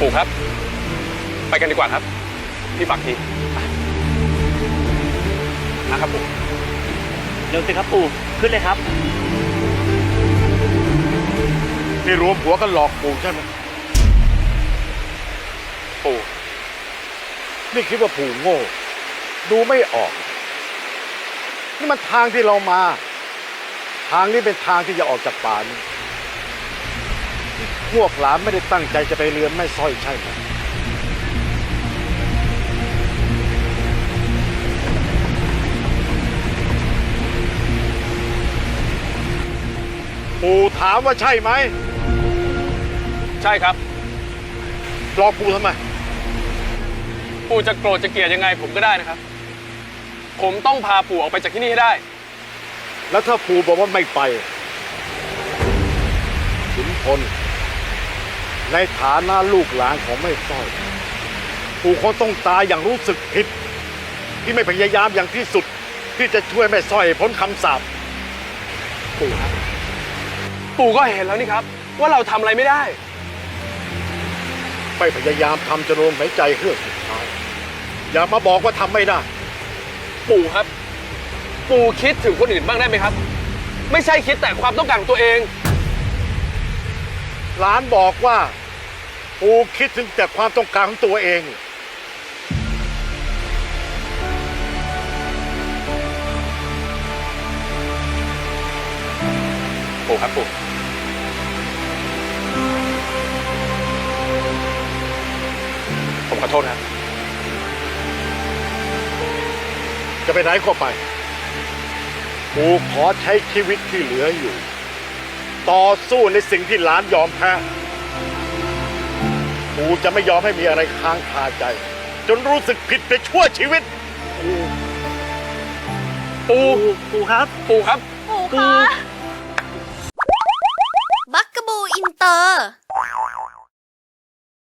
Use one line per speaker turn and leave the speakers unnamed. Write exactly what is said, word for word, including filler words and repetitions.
ปู่ครับไปกันดีกว่าครับพี่ฝากทีนะครับปู่
เร็วสิครับปู่ขึ้นเลยครับ
นี่รวมหัวกันหลอกปู่ใช่ไหม
ปู่
นี่คิดว่าปู่โง่ดูไม่ออกนี่มันทางที่เรามาทางนี้เป็นทางที่จะออกจากป่านี้พวกหลานไม่ได้ตั้งใจจะไปเรือนแม่สร้อยใช่ไหมปู่ถามว่าใช่ไหม
ใช่ครับ
หลอกปู่ทำไม
ปู่จะโกรธจะเกลียดยังไงผมก็ได้นะครับผมต้องพาปู่ออกไปจากที่นี่ให้ได้
แล้วถ้าปู่บอกว่าไม่ไปขุนพลในฐานะลูกหลานของแม่สร้อยปู่คงต้องตายอย่างรู้สึกผิดที่ไม่พยายามอย่างที่สุดที่จะช่วยแม่สร้อยพ้นคำสาป
ปู่ครับปู่ก็เห็นแล้วนี่ครับว่าเราทำอะไรไม่ได้
ไม่พยายามทำจะลมหายใจเฮือกสุดท้ายอย่ามาบอกว่าทำไม่ได้
ปู่ครับปู่คิดถึงคนอื่นบ้างได้ไหมครับไม่ใช่คิดแต่ความต้องการของตัวเอง
หลานบอกว่าปู่คิดถึงแต่ความต้องการของตัวเอง
ปู่ครับปู่ผมขอโทษครับ
จะไปไหนก็ไปปู่ขอใช้ชีวิตที่เหลืออยู่ต่อสู้ในสิ่งที่หลานยอมแพ้ปู่จะไม่ยอมให้มีอะไรค้างคาใจจนรู้สึกผิดไปชั่วชีวิต
ปู่
ปู่ปู่ครับ
ปู่ครับ
ปู่คะบักกะบูอินเตอร์